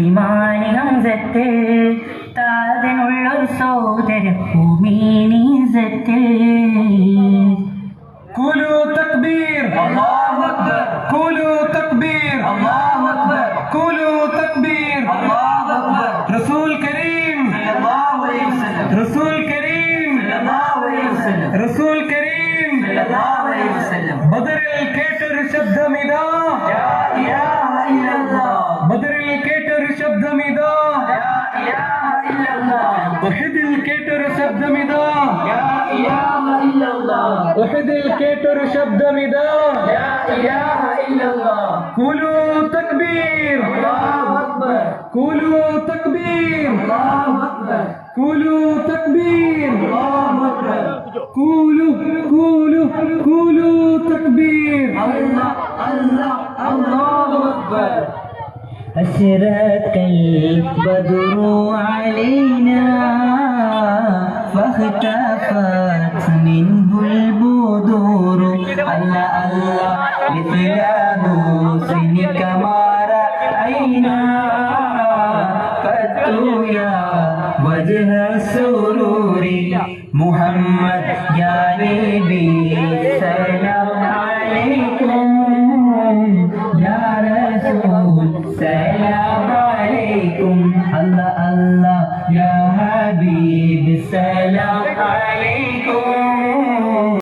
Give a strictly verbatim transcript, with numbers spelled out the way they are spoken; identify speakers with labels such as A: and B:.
A: ഇമാനി ഹംസത്ത് താതിനുള്ളൊരു സോദര ഭൂമിനീസത്ത്
B: قولوا تكبير
C: الله أكبر
B: قولوا تكبير
C: الله أكبر
B: قولوا تكبير
C: الله أكبر
B: رسول كريم
C: صلى الله عليه وسلم
B: رسول كريم
C: صلى الله عليه وسلم
B: رسول كريم
C: صلى الله عليه وسلم
B: ബദറിൽ കേട്ടൊരു ശബ്ദമിതാ
C: لا إله إلا الله
B: ബദറിൽ കേട്ടൊരു ശബ്ദമിതാ
C: لا إله إلا الله
B: ഉഹദിൽ കേട്ടൊരു ശബ്ദമിതാ
C: لا إله إلا الله
B: ഉഹദിൽ കേട്ടൊരു ശബ്ദമിതാ
C: لا إله إلا الله
B: قولوا تكبير
C: الله أكبر
B: قولوا تكبير
C: الله أكبر
B: قولوا تكبير
C: الله أكبر
B: قولوا قولوا قولوا تكبير
C: الله الله الله أكبر
A: أشرق البدر علينا فاختفت منه البدور الله الله مثل حسنك ما رأينا قد يا وجه السرور محمد يا نبي سلام عليكم يا رسول سلام عليكم الله